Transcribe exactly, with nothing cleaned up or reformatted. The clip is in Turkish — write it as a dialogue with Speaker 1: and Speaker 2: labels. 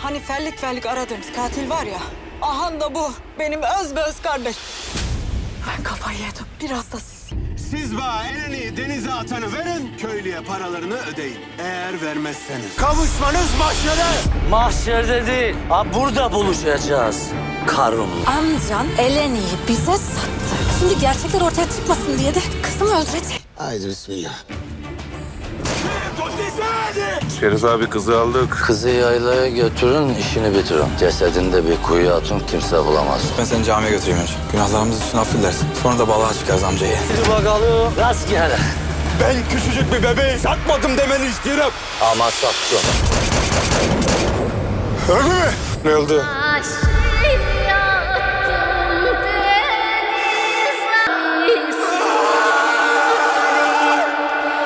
Speaker 1: Hani fellik fellik aradığımız katil var ya. Ahan da bu. Benim öz be öz kardeş. Ben kafayı yedim. Biraz da siz.
Speaker 2: Siz bana elini denize atanı verin, köylüye paralarını ödeyin. Eğer vermezseniz kavuşmanız mahşere.
Speaker 3: Mahşerde değil, ha burada buluşacağız. Karun'la.
Speaker 4: Amcan Eleni'yi bize sattı. Şimdi gerçekler ortaya çıkmasın diye de kızımı özledi.
Speaker 2: Haydi bismillah.
Speaker 5: Şerif abi kızı aldık.
Speaker 3: Kızı yaylaya götürün, işini bitirin. Cesedini de bir kuyuya atın, kimse bulamaz.
Speaker 6: Ben seni camiye götüreyim önce. Günahlarımız için affedersin. Sonra da balığa çıkarız amcayı.
Speaker 3: Hadi bakalım. Rastgele.
Speaker 2: Ben küçücük bir bebeği satmadım demeni istiyorum.
Speaker 3: Ama sattım.
Speaker 2: Öldü mü?
Speaker 5: Ne oldu?